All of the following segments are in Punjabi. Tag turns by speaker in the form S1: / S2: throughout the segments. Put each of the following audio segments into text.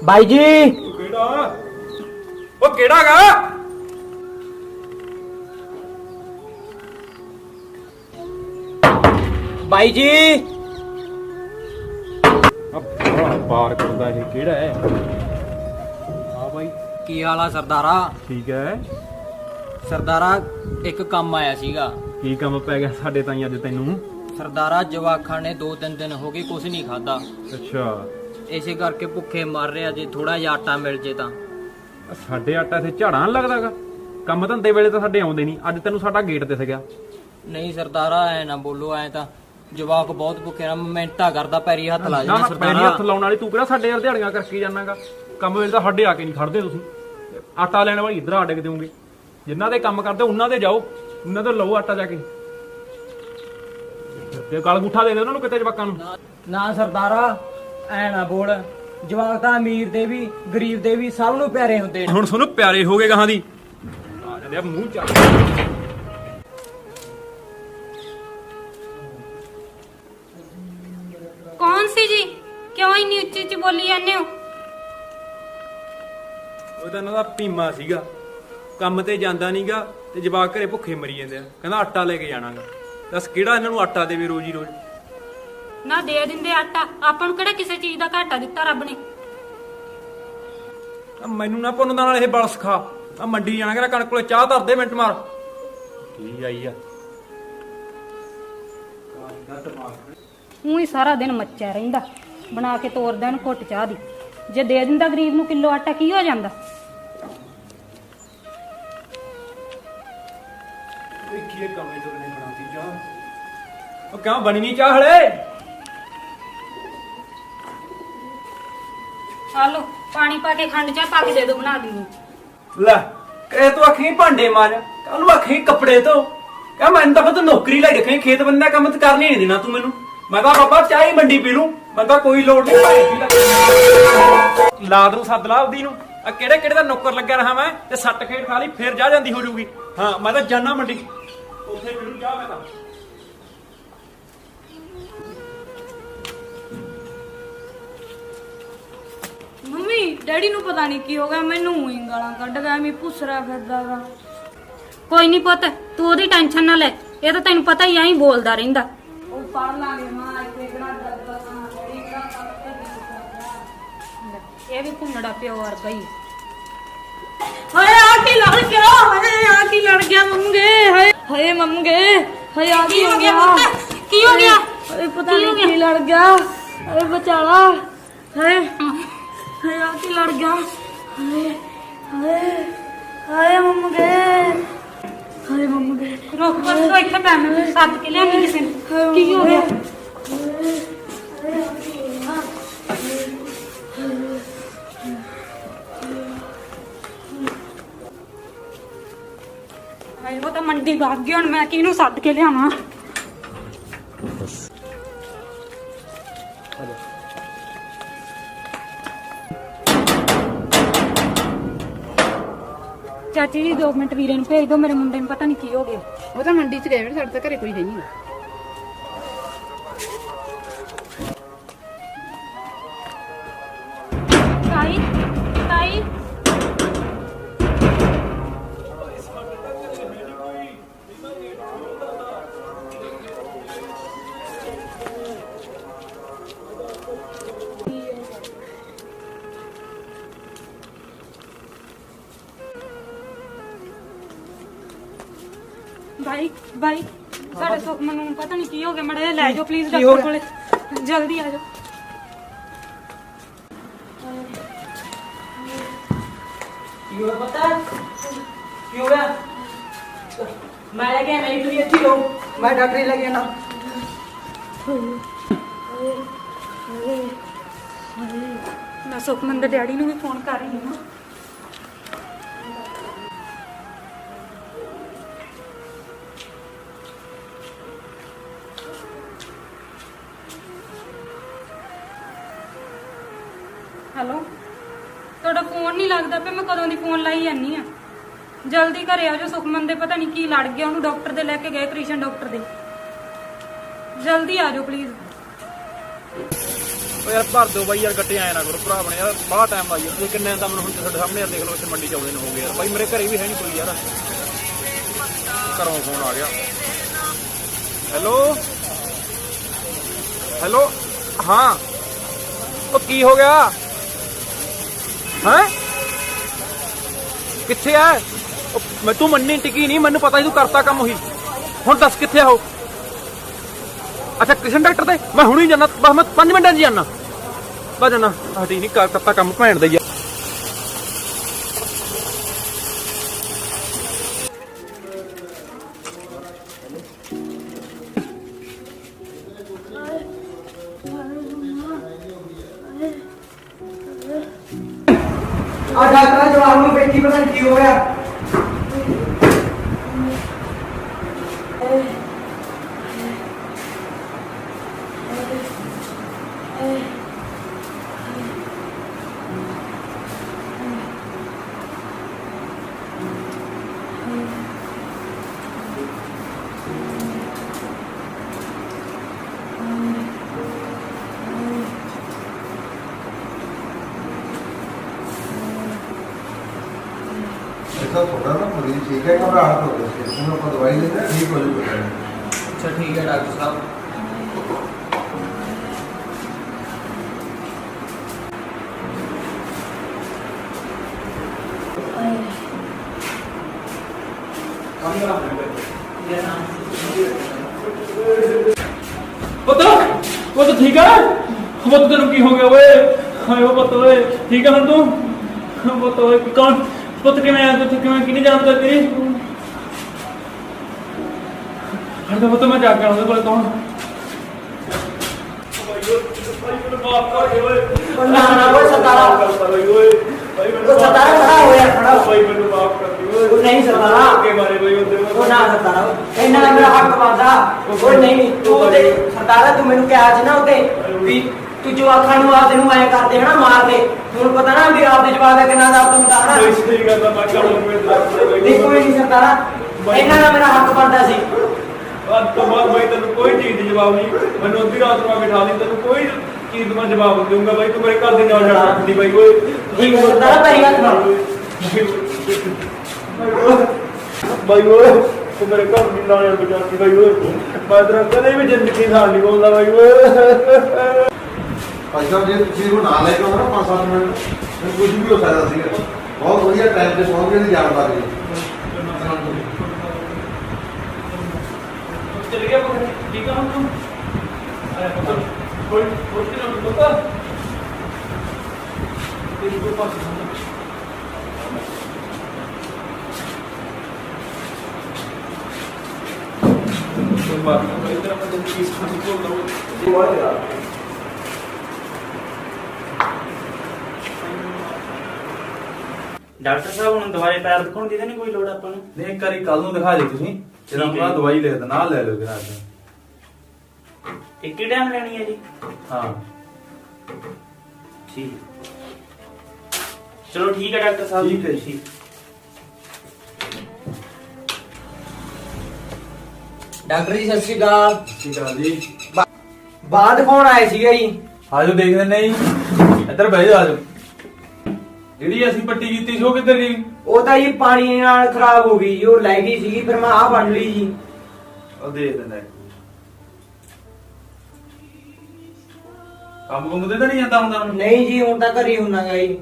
S1: ਬਾਈ ਜੀ
S2: ਕਿਹੜਾ ਉਹ ਕਿਹੜਾ ਗਾ
S1: ਬਾਈ ਜੀ
S2: ਪਾਰ ਕਰਦਾ ਇਹ ਕਿਹੜਾ ਹੈ? ਹਾਂ ਬਾਈ
S1: ਕੀ ਹਾਲ ਆ ਸਰਦਾਰਾ?
S2: ਠੀਕ ਹੈ।
S1: ਸਰਦਾਰਾ ਇੱਕ ਕੰਮ ਆਇਆ ਸੀਗਾ।
S2: ਕੀ ਕੰਮ ਪੈ ਗਿਆ ਸਾਡੇ ਤਾਈਂ ਅੱਜ ਤੈਨੂੰ?
S1: ਸਰਦਾਰਾ ਜਵਾਖਾਂ ਨੇ 2-3 ਦਿਨ ਹੋ ਗਏ ਕੁਝ ਨਹੀਂ ਖਾਦਾ।
S2: ਅੱਛਾ
S1: ਇਸੇ ਕਰਕੇ ਭੁੱਖੇ ਮਰ ਰਿਹਾ। ਜੇ ਥੋੜਾ ਜਿਹਾ ਆਟਾ ਮਿਲ ਜੇ ਤਾਂ।
S2: ਸਾਡੇ ਆਟਾ ਇੱਥੇ ਝਾੜਾਂ ਲੱਗਦਾਗਾ। ਕੰਮ ਧੰਦੇ ਵੇਲੇ ਤਾਂ ਸਾਡੇ ਆਉਂਦੇ ਨਹੀਂ। ਅੱਜ ਤੈਨੂੰ ਸਾਡਾ ਗੇਟ ਦਿਸ ਗਿਆ।
S1: ਨਹੀਂ ਸਰਦਾਰਾ ਐ ਨਾ ਬੋਲੋ। ਐ ਤਾਂ ਜਵਾਕ ਬਹੁਤ ਭੁੱਖੇ ਨਾ। ਮਿੰਟਾਂ ਕਰਦਾ ਪੈਰੀ ਹੱਥ ਲਾ
S2: ਨਾ
S1: ਜਾਣਾ
S2: ਨਾ ਪੈਰੀ
S1: ਸਰਦਾਰਾ।
S2: ਹੱਥ ਲਾਉਣ ਵਾਲੀ ਤੂੰ ਕਿਹੜਾ ਸਾਡੇ ਯਾਰ ਦਿਹਾੜੀਆਂ ਕਰਕੇ ਜਾਣਾਗਾ। ਕੰਮ ਵੇਲੇ ਤਾਂ ਸਾਡੇ ਆ ਕੇ ਨਹੀਂ ਖੜਦੇ ਤੁਸੀਂ। ਆਟਾ ਲੈਣ ਵਾਲੀ ਇੱਧਰ ਆ ਡਿੱਗ ਦਿਓਗੇ। ਜਿਨ੍ਹਾਂ ਦੇ ਕੰਮ ਕਰਦੇ ਉਹਨਾਂ ਦੇ ਜਾਓ, ਉਹਨਾਂ ਤੋਂ ਲਓ ਆਟਾ ਜਾ ਕੇ। ਤੇ ਗਲ ਗੁੱਠਾ ਦੇ ਦੇ ਉਹਨਾਂ ਨੂੰ ਕਿਤੇ ਜਵਾਕਾਂ ਨੂੰ।
S1: ਨਾ ਸਰਦਾਰਾ ਐ ਨਾ ਬੋਲ। ਜਵਾਕ ਤਾਂ ਅਮੀਰ ਦੇ ਵੀ ਗਰੀਬ ਦੇ ਵੀ ਸਭ ਨੂੰ ਪਿਆਰੇ ਹੁੰਦੇ ਨੇ।
S2: ਹੁਣ ਤੁਹਾਨੂੰ ਪਿਆਰੇ ਹੋ ਗਏ ਗਾਹਾਂ ਦੀ। ਆ ਜਾਂਦੇ ਆ ਮੂੰਹ ਚੱਕ।
S3: कौन सी जी? क्यों इन्नी उच्ची उच्ची बोली जाने हो?
S2: ਉਹ ਤਾਂ ਇਹਨਾਂ ਦਾ ਪੀਮਾ ਸੀਗਾ। ਕੰਮ ਤੇ ਜਾਂਦਾ ਨਹੀਂਗਾ ਤੇ ਜਵਾਕ ਘਰੇ ਭੁੱਖੇ ਮਰੀ ਜਾਂਦੇ ਆ। ਕਹਿੰਦਾ ਆਟਾ ਲੈ ਕੇ ਜਾਣਾਗਾ। ਦੱਸ ਕਿਹੜਾ ਇਹਨਾਂ ਨੂੰ ਆਟਾ ਦੇਵੇ ਰੋਜ਼ ਹੀ ਰੋਜ਼।
S3: ना दे दिंदे आटा। ਆਪਾਂ ਨੂੰ ਕਿਹੜਾ ਕਿਸੇ ਚੀਜ਼ ਦਾ ਘਾਟਾ ਦਿੱਤਾ ਰੱਬ ਨੇ।
S2: ਆ ਮੈਨੂੰ ਨਾ ਪੁੰਨ ਦਾ ਨਾਲ ਇਹ ਬਲ ਸਿਖਾ। ਆ ਮੰਡੀ ਜਾਣਾ ਕਹਿੰਦਾ ਕਣਕ ਕੋਲੇ ਚਾਹ ਧਰ ਦੇ ਮਿੰਟ ਮਾਰ। ਕੀ ਆਈ ਆ
S3: ਊਂ ਹੀ ਸਾਰਾ ਦਿਨ ਮੱਚਿਆ ਰਹਿੰਦਾ। ਬਣਾ ਕੇ ਤੋਰਦਾ ਇਹਨੂੰ ਘੁੱਟ ਚਾਹ ਦੀ। ਜੇ ਦੇ ਦਿੰਦਾ ਗਰੀਬ ਨੂੰ ਕਿਲੋ ਆਟਾ ਕੀ ਹੋ ਜਾਂਦਾ?
S2: ਦੇਖੀਏ ਕਮੇ ਤੋਂ ਨੇ ਬਣਾਤੀ ਚਾਹ। ਉਹ ਕਿਉਂ ਬਣੀ ਨਹੀਂ ਚਾਹ ਹਲੇ?
S3: ਆ ਲੋ ਪਾਣੀ ਪਾ ਕੇ ਖੰਡ ਚਾਹ ਪਾ ਕੇ ਦੇ ਦੋ ਬਣਾ ਦਿੰਦੀ।
S2: ਲੈ ਕਹੇ ਤੂੰ ਅੱਖੀਂ ਭਾਂਡੇ ਮਾਰ। ਕੱਲ ਨੂੰ ਅੱਖੀਂ ਕੱਪੜੇ ਧੋ। ਕਹ ਮੈਨੂੰ ਤਾਂ ਪਤਾ ਨੌਕਰੀ ਲਾਈ ਰੱਖੇ। ਖੇਤ ਬੰਦਾ ਕੰਮ ਤੇ ਕਰਨੀ ਨਹੀਂ ਦੇਣਾ ਤੂੰ ਮੈਨੂੰ। ਮੈਂ ਤਾਂ ਬਾਬਾ ਚਾਹ ਹੀ ਮੰਡੀ ਪੀ ਲੂੰ। ਮੈਂ ਤਾਂ ਕੋਈ ਲੋੜ ਨਹੀਂ ਲਾਦ ਨੂੰ ਸੱਦ ਲਾ ਉਹਦੀ ਨੂੰ। ਆ ਕਿਹੜੇ ਕਿਹੜੇ ਦਾ ਨੌਕਰ ਲੱਗਿਆ ਰਹਾ ਮੈਂ ਤੇ ਸੱਟ ਖੇਡ ਖਾ ਲਈ ਫੇਰ ਜਾ ਜਾਂਦੀ ਹੋ ਜੂਗੀ। ਹਾਂ ਮੈਂ ਤਾਂ ਜਾਣਾ ਮੰਡੀ। ਉੱਥੇ ਪੀ ਲੂੰ ਚਾਹ ਮੈਂ ਤਾਂ।
S3: ਮੰਮੀ ਡੈਡੀ ਨੂੰ ਪਤਾ ਨਹੀਂ ਕੀ ਹੋ ਗਿਆ। ਮੈਨੂੰ ਹੀ ਗਾਲਾਂ ਕੱਢ ਗਿਆ। ਮੈਂ ਪੁੱਸਰਾ ਫਿਰਦਾਗਾ। ਕੋਈ ਨਹੀਂ ਪੁੱਤ ਤੂੰ ਉਹਦੀ ਟੈਨਸ਼ਨ ਨਾ ਲੈ। ਇਹ ਤਾਂ ਤੈਨੂੰ ਪਤਾ ਹੀ ਐਂ ਬੋਲਦਾ ਰਹਿੰਦਾ। ਉਹ ਪੜ ਲਾਂਗੇ ਮਾਂ ਇੱਥੇ ਕਿਹੜਾ ਦੱਸਣਾ ਡੈਡੀ ਕਿਹੜਾ ਇਹ ਵੀ ਘੁੰਮੜਾ ਪਿਓ ਵਰਗਾ ਹੀ। ਹਾਏ ਆ ਕੀ ਲੜ ਗਿਆ? ਹਾਏ ਆ ਕੀ ਲੜ ਗਿਆ ਮੰਮਗੇ? ਹਾਏ ਹਾਏ ਮੰਮਗੇ ਹਾਏ ਆ ਕੀ ਹੋ ਗਿਆ? ਕੀ ਹੋ ਗਿਆ? ਹਾਏ ਪਤਾ ਨਹੀਂ ਕੀ ਲੜ ਗਿਆ। ਹਾਏ ਬਚਾਲਾ। ਹਾਏ ਹਾਏ ਆ ਕੀ ਲੜ ਗਿਆ? ਹਾਏ ਹਾਏ ਹਾਏ ਮੰਮਗੇ ਹਾਏ ਮੰਮਗੇ। ਰੁਕ ਬਸ ਤੂੰ ਇੱਥੇ ਪੈ। ਮੈਂ ਸੱਦ ਕੇ ਲਿਆਂਗੀ ਕਿਸੇ ਨੂੰ। ਕੀ ਹੋ ਗਿਆ? ਹਾਏ ਉਹ ਤਾਂ ਮੰਡੀ ਭਾਗ ਗਈ। ਹੁਣ ਮੈਂ ਕਿਹਨੂੰ ਸੱਦ ਕੇ ਲਿਆਵਾਂ? ਚਾਚੀ ਜੀ 2 ਮਿੰਟ ਵੀਰੇ ਨੂੰ ਭੇਜ ਦਿਓ। ਮੇਰੇ ਮੁੰਡੇ ਨੂੰ ਪਤਾ ਨਹੀਂ ਕੀ ਹੋ ਗਿਆ।
S4: ਉਹ ਤਾਂ ਮੰਡੀ ਚ ਗਏ ਨੇ। ਸਾਡੇ ਤਾਂ ਘਰੇ ਕੋਈ ਹੈ ਨਹੀਂ।
S3: ਤਾਈ ਤਾਈ ਭਾਈ ਭਾਈ ਸਾਡੇ ਸੁਖਮਨ ਨੂੰ ਪਤਾ ਨਹੀਂ ਕੀ ਹੋ ਗਿਆ। ਮੜਾ ਲੈ ਜਾਓ ਪਲੀਜ਼ ਡਾਕਟਰ ਕੋਲੇ। ਜਲਦੀ ਆ ਜਾਓ।
S1: ਕੀ ਹੋਇਆ ਪਤਾ? ਕੀ ਹੋ ਗਿਆ? ਮੈਂ ਲੈ ਕੇ ਨਹੀਂ ਤੁਸੀਂ ਇੱਥੇ ਰਹੋ। ਮੈਂ ਡਾਕਟਰ ਲੈ ਕੇ ਆਣਾ।
S3: ਮੈਂ ਸੁਖਮਨ ਦੇ ਡੈਡੀ ਨੂੰ ਵੀ ਫੋਨ ਕਰ ਰਹੀ ਹਾਂ। ਹੈਲੋ ਤੁਹਾਡਾ ਫੋਨ ਨਹੀਂ ਲੱਗਦਾ ਪਿਆ। ਮੈਂ ਕਦੋਂ ਦੀ ਫੋਨ ਲਾਈ ਜਾਂਦੀ ਆ। ਜਲਦੀ ਘਰੇ ਆ ਜਾਓ। ਸੁਖਮਨ ਦੇ ਪਤਾ ਨਹੀਂ ਕੀ ਲੜ ਗਿਆ। ਉਹਨੂੰ ਡਾਕਟਰ ਦੇ ਲੈ ਕੇ ਗਏ। ਕ੍ਰਿਸ਼ਨ ਡਾਕਟਰ ਦੇ। ਜਲਦੀ ਆ ਜਾਓ ਪਲੀਜ਼।
S2: ਓ ਯਾਰ ਭਰ ਦਿਓ ਬਾਈ ਯਾਰ, ਗੱਟੇ ਆਏ ਨਾ ਕਰੋ ਭਰਾ ਬਣੇ ਯਾਰ, ਬਾਹਲਾ ਟਾਈਮ ਲਾਈ ਯਾਰ ਤੁਸੀਂ। ਕਿੰਨੇ ਤਾਂ ਮੈਨੂੰ ਹੁਣ ਤੁਹਾਡੇ ਸਾਹਮਣੇ ਯਾਰ ਦੇਖ ਲਓ, ਇੱਥੇ ਮੰਡੀ ਚ ਆਉਂਦੇ ਨੂੰ ਹੋ ਗਏ ਯਾਰ। ਬਾਈ ਮੇਰੇ ਘਰੇ ਵੀ ਹੈ ਨਹੀਂ ਕੋਈ ਯਾਰ, ਘਰੋਂ ਫੋਨ ਆ ਗਿਆ। ਹੈਲੋ ਹੈਲੋ, ਹਾਂ ਉਹ ਕੀ ਹੋ ਗਿਆ ਹੈ? ਕਿੱਥੇ ਆ? ਮੈਂ ਤੂੰ ਮੰਨੀ ਟਿਕੀ ਨਹੀਂ, ਮੈਨੂੰ ਪਤਾ ਸੀ ਤੂੰ ਕਰਤਾ ਕੰਮ ਉਹੀ। ਹੁਣ ਦੱਸ ਕਿੱਥੇ ਆ ਉਹ? ਅੱਛਾ ਕ੍ਰਿਸ਼ਨ ਡਾਕਟਰ ਤੇ ਮੈਂ ਹੁਣੀ ਜਾਣਾ, ਬਸ ਮੈਂ 5 ਮਿੰਟਾਂ 'ਚ ਜਾਣਾ, ਬਸ ਜਾਣਾ। ਹਟੀ ਨਹੀਂ ਕਰਤਾ ਕੰਮ ਭੈਣ ਦਾ ਹੀ ਆ।
S5: ਆ ਡਾਕਟਰ ਜਵਾਬ ਨੂੰ ਬੈਠੀ ਪਤਾ ਨੀ ਕੀ ਹੋ ਗਿਆ।
S6: ऐसा थोड़ा ना मरीज ठीक है, घबराहट हो गई, इसमें अपन दवाई लेते हैं ठीक हो जाएगा।
S5: अच्छा ठीक है डॉक्टर साहब।
S2: ਪੁੱਤ ਠੀਕ ਆ? ਪੁੱਤ ਤੈਨੂੰ ਕੀ ਹੋ ਗਿਆ ਓਏ? ਹਾਏ ਓ ਪੁੱਤ ਓਏ, ਠੀਕ ਆ ਹੁਣ ਤੂੰ? ਪੁੱਤ ਓਏ ਕੌਣ? ਪੁੱਤ ਕਿਵੇਂ ਆ ਤੂੰ? ਕਿਵੇਂ ਕਿਹਨੇ ਜਾਣਦਾ ਤੇਰੀ? ਹਰਦਾ ਪੁੱਤ ਮੈਂ ਜਾ ਕੇ ਆਉਂਦਾ ਕੋਲ। ਕੌਣ?
S5: ਨਾ ਨਾ ਉਹ ਸਰਦਾਰਾ, ਉਹ ਸਰਦਾਰਾ ਖੜਾ ਹੋਇਆ, ਖੜਾ
S2: ਭਾਈ ਮੈਨੂੰ ਮਾਫ ਕਰ ਦਿਓ।
S5: ਉਹ ਨਹੀਂ ਸਰਦਾਰਾ,
S2: ਅੱਗੇ ਬਾਰੇ ਬਈ
S5: ਉਹ ਨਾ ਸਰਦਾਰਾ, ਇਹਨਾਂ ਦਾ ਮੇਰਾ ਹੱਕ ਬਣਦਾ। ਉਹ ਨਹੀਂ ਤੂੰ ਤੇ ਸਰਦਾਰਾ, ਤੂੰ ਮੈਨੂੰ ਕਿਹਾ ਸੀ ਨਾ ਉੱਤੇ ਵੀ ਤੂੰ ਜਵਾਕਾਂ ਨੂੰ ਆਪਦੇ ਨੂੰ ਐਂ ਕਰਦੇ ਹਨਾ, ਮਾਰਦੇ। ਹੁਣ ਪਤਾ ਨਾ ਵੀ ਆਪਦੇ ਜਵਾਕ ਦਾ ਕਿੰਨਾ ਦਰਦ ਹੁੰਦਾ ਹਨਾ।
S2: ਸਹੀ ਗੱਲ ਆ, ਮੈਂ
S5: ਨਹੀਂ ਕੋਈ ਨਹੀਂ ਸਰਦਾਰਾ, ਇਹਨਾਂ ਦਾ ਮੇਰਾ ਹੱਕ ਬਣਦਾ ਸੀ।
S2: ਅੱਜ ਤੋਂ ਬਾਅਦ ਬਾਈ ਤੈਨੂੰ ਕੋਈ ਚੀਜ਼ ਦੀ ਜਵਾਬ ਨਹੀਂ। ਮੈਨੂੰ ਅੱਧੀ ਰਾਤ ਨੂੰ ਬਿਠਾ ਲਈ, ਤੈਨੂੰ ਕੋਈ ਚੀਜ਼ ਦਾ ਜਵਾਬ ਨਹੀਂ ਦਊਂਗਾ ਬਾਈ। ਤੂੰ ਮੇਰੇ ਘਰ ਦੇ ਨਾਲ ਛੱਡ ਸਕਦੀ ਬਾਈ ਓਏ।
S5: ਠੀਕ ਹੈ ਸਰਦਾਰਾ, ਤੇਰੀ ਗੱਲ ਸੁਣ।
S2: ਬਾਈ ਓਏ ਤੂੰ ਮੇਰੇ ਘਰ ਦੀ ਨਾਲ ਬਚਾਤੀ ਬਾਈ ਓਏ। ਮੈਂ ਤੇਰਾ ਕਦੇ ਵੀ ਜ਼ਿੰਦਗੀ ਨਾਲ ਨਹੀਂ ਬੋਲਦਾ ਬਾਈ ਓਏ।
S6: भाई साहब जी किसी को ना लेके आओ ना 5-7 मिनट में कुछ भी हो सकता है। बहुत बढ़िया टाइम पे पहुंच गए जान पा रही
S2: चल गया ठीक है। हम तुम अरे कोई कुछ नहीं होता तेरे को पास कोई बात नहीं। इधर अपन तो चीज को बोल दो यार।
S7: ਡਾਕਟਰ ਸਾਹਿਬ ਹੁਣ ਦਵਾਈ ਪੈਰ ਦਿਖਾਉਣ ਦੀ ਤਾਂ ਨਹੀਂ ਕੋਈ ਲੋੜ ਆਪਾਂ ਨੂੰ?
S2: ਨਹੀਂ ਇੱਕ ਵਾਰੀ ਕੱਲ ਨੂੰ ਦਿਖਾ ਦੇ ਤੁਸੀਂ, ਜਦੋਂ ਆਪਣਾ ਦਵਾਈ ਲੈ ਦੇ ਨਾਲ ਲੈ ਲਓ ਕਿਰਾ।
S7: ਇੱਕ ਹੀ ਟਾਈਮ ਲੈਣੀ ਹੈ ਜੀ?
S2: ਹਾਂ
S7: ਠੀਕ ਚਲੋ ਠੀਕ ਹੈ ਡਾਕਟਰ ਸਾਹਿਬ।
S2: ਠੀਕ ਹੈ ਜੀ।
S5: ਡਾਕਟਰ ਜੀ ਸਤਿ ਸ਼੍ਰੀ ਅਕਾਲ।
S2: ਠੀਕ ਆ ਜੀ।
S5: ਬਾਅਦ ਕੌਣ ਆਏ ਸੀਗੇ ਜੀ?
S2: ਆਜੋ ਦੇਖ ਲੈਣੇ ਜੀ, ਇੱਧਰ ਬਹਿ ਜਾ। ਆਜੋ। ਜਿਹੜੀ ਅਸੀਂ ਪੱਟੀ ਕੀਤੀ ਸੀ ਉਹ ਕਿੱਧਰ ਗਈ?
S5: ਉਹ ਤਾਂ ਜੀ ਪਾਣੀ ਨਾਲ ਖਰਾਬ ਹੋ ਗਈ ਜੀ, ਉਹ ਲੈ ਗਈ ਸੀਗੀ, ਫਿਰ ਮੈਂ ਆਹ ਬਣ ਲਈ ਜੀ।
S2: ਉਹ ਦੇਖ ਲੈਣਾ। ਕੰਮ ਕੁੰਮ ਤੇ ਤਾਂ ਨਹੀਂ ਜਾਂਦਾ ਹੁੰਦਾ ਹੁਣ?
S5: ਨਹੀਂ ਜੀ ਹੁਣ ਤਾਂ ਘਰੇ ਹੁੰਨਾਗਾ ਜੀ।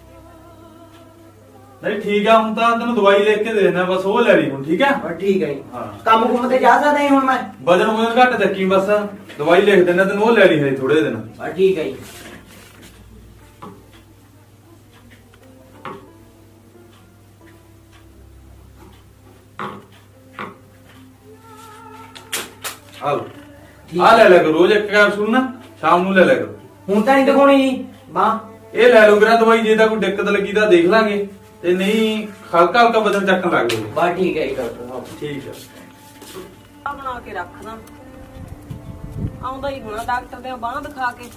S2: ਨਹੀਂ ਠੀਕ ਆ, ਹੁਣ ਤਾਂ ਤੈਨੂੰ ਦਵਾਈ ਲਿਖ ਕੇ ਦੇ ਦੇਣਾ, ਬਸ ਉਹ ਲੈ ਲਈ ਹੁਣ। ਠੀਕ ਆ
S5: ਬਸ ਠੀਕ ਹੈ ਜੀ।
S2: ਹਾਂ।
S5: ਕੰਮ ਕੁੰਮ ਤੇ ਜਾ ਸਕਦਾ ਜੀ ਹੁਣ ਮੈਂ?
S2: ਵਜਨ ਘੱਟ ਚੱਕੀ, ਬਸ ਦਵਾਈ ਲਿਖ ਦੇਣਾ ਤੈਨੂੰ, ਉਹ ਲੈ ਲਈ ਹੈ ਥੋੜੇ ਦਿਨ।
S5: ਬਸ ਠੀਕ ਹੈ ਜੀ।
S2: ਆ ਲਓ, ਆ ਲੈ ਲਿਆ ਕਰੋ ਰੋਜ਼ ਇੱਕ ਕੈਪਸੂਲ ਨਾ, ਸ਼ਾਮ ਨੂੰ ਲੈ ਲਿਆ ਕਰੋ।
S5: ਹੁਣ ਤਾਂ ਨਹੀਂ ਦਿਖਾਉਣੀ ਜੀ ਬਾਂਹ?
S2: ਇਹ ਲੈ ਲਓ ਕਿਰਾ ਦਵਾਈ, ਜੇ ਤਾਂ ਕੋਈ ਦਿੱਕਤ ਲੱਗੀ ਤਾਂ ਦੇਖ ਲਾਂਗੇ, ਤੇ ਨਹੀਂ ਹਲਕਾ ਹਲਕਾ ਵਜਨ ਚੱਕਣ ਲੱਗ ਜਾਓ।
S5: ਬਸ ਠੀਕ ਹੈ ਜੀ ਡਾਕਟਰ ਸਾਹਿਬ।
S2: ਠੀਕ ਹੈ।
S1: ਆ ਬਣਾ ਕੇ ਰੱਖਦਾ, ਆਉਂਦਾ ਹੀ ਹੋਣਾ ਡਾਕਟਰ ਦੇ ਬਾਂਹ ਦਿਖਾ ਕੇ।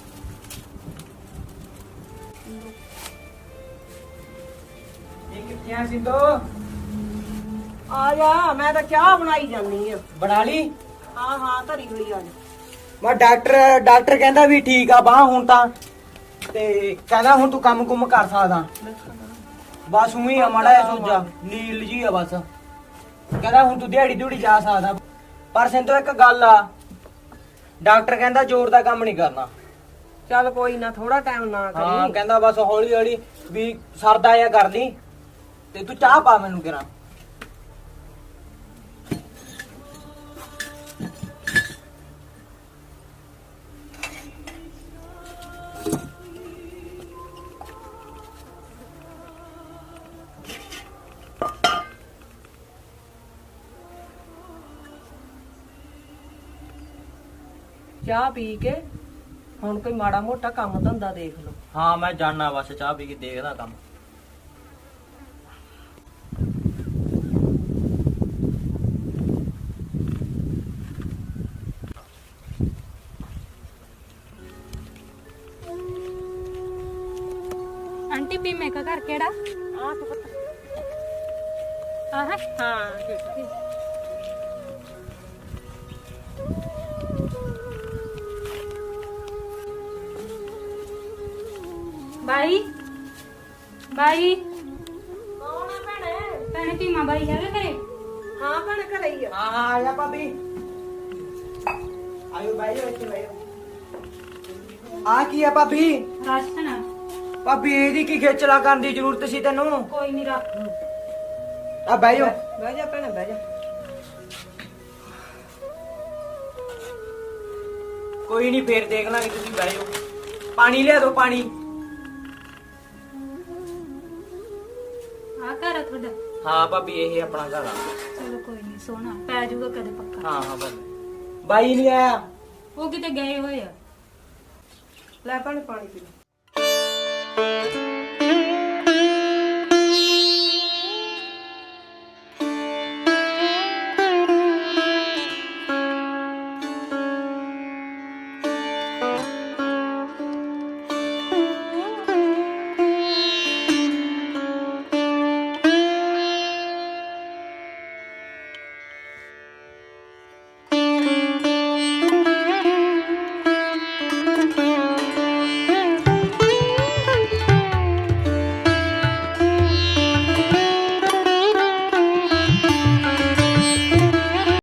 S5: ਇਹ ਕਿੱਥੇ ਆ ਸਿੰਦੋ?
S1: ਆ ਜਾ, ਮੈਂ ਤਾਂ ਚਾਹ ਬਣਾਈ ਜਾਂਦੀ ਆ।
S5: ਬਣਾ ਲਈ?
S1: ਹਾਂ ਹਾਂ ਧਰੀ ਹੋਈ ਆ ਜਾ।
S5: ਮੈਂ ਡਾਕਟਰ ਕਹਿੰਦਾ ਵੀ ਠੀਕ ਆ ਬਾਹ ਹੁਣ ਤਾਂ, ਤੇ ਕਹਿੰਦਾ ਹੁਣ ਤੂੰ ਕੰਮ ਕੁੰਮ ਕਰ ਸਕਦਾ। ਬਸ ਉਹੀ ਆ ਮਾੜਾ ਜਿਹਾ ਸੋਜਾ ਨੀਲ ਜੀ ਆ ਬਸ। ਕਹਿੰਦਾ ਹੁਣ ਤੂੰ ਦਿਹਾੜੀ ਦਿਹੜੀ ਜਾ ਸਕਦਾ। ਪਰ ਸਿੰਤੋ ਇੱਕ ਗੱਲ ਆ, ਡਾਕਟਰ ਕਹਿੰਦਾ ਜ਼ੋਰ ਦਾ ਕੰਮ ਨਹੀਂ ਕਰਨਾ।
S8: ਚੱਲ ਕੋਈ ਨਾ, ਥੋੜਾ ਟਾਈਮ ਨਾ
S5: ਹਾਂ
S8: ਕਰੀ।
S5: ਕਹਿੰਦਾ ਬਸ ਹੌਲੀ ਹੌਲੀ ਵੀ ਸਰਦਾ ਜਿਹਾ ਕਰ ਲਈ। ਤੇ ਤੂੰ ਚਾਹ ਪਾ ਮੈਨੂੰ ਕਿਰਾਂ।
S8: ਚਾਹ ਪੀ ਕੇ ਹੁਣ ਕੋਈ ਮਾੜਾ ਮੋਟਾ ਕੰਮ ਧੰਦਾ ਦੇਖ ਲਓ।
S5: ਹਾਂ ਮੈਂ ਜਾਣਾ ਬਸ, ਚਾਹ ਪੀ ਕੇ ਦੇਖਦਾ ਕੰਮ।
S3: ਆਂਟੀ ਬੀਮੇ ਦਾ ਘਰ ਕਿਹੜਾ? ਆਹ ਹਾਂ ਠੀਕ। ਬਾਈ
S8: ਕੌਣ ਆ ਭੈਣੇ?
S3: ਭੈਣੇ ਬੀਮਾ ਬਾਈ ਹੈਗਾ ਘਰੇ?
S8: ਹਾਂ ਭੈਣੇ ਘਰੇ ਹੀ ਆ।
S5: ਹਾਂ ਆ ਜਾ ਭਾਬੀ। ਆਇਓ ਬਾਈ ਇੱਥੇ ਬਾਈਓ। ਆ ਕੀ ਆ ਭਾਬੀ?
S3: ਰਾਸ਼ਨ ਆ।
S5: ਭਾਬੀ ਇਹਦੀ ਕੀ ਖੇਚਲਾ ਕਰਨ ਦੀ ਜ਼ਰੂਰਤ ਸੀ ਤੈਨੂੰ?
S3: ਕੋਈ ਨਹੀਂ ਰੱਖ।
S5: ਆ ਬਾਈਓ।
S8: ਬਹਿ ਜਾ ਭੈਣੇ ਬਹਿ ਜਾ।
S5: ਕੋਈ ਨਹੀਂ ਫੇਰ ਦੇਖ ਲਾਂਗੇ, ਤੁਸੀਂ ਬਾਈਓ। ਪਾਣੀ ਲਿਆ ਦੋ ਪਾਣੀ।
S3: ਆ ਘਰ ਆ ਤੁਹਾਡਾ?
S5: ਹਾਂ ਭਾਬੀ ਇਹ ਆਪਣਾ ਘਰ ਆ।
S3: ਚਲੋ ਕੋਈ ਨਹੀਂ, ਸੋਹਣਾ ਪੈ ਜਾਊਗਾ ਕਦੇ ਪੱਕਾ।
S5: ਹਾਂ ਹਾਂ ਭਾਬੀ। ਬਾਈ ਨਹੀਂ ਆਇਆ?
S3: ਉਹ ਕਿਤੇ ਗਏ ਹੋਏ ਆ।
S8: ਲੈ ਭੈਣੇ ਪਾਣੀ ਪੀ ਲੈ।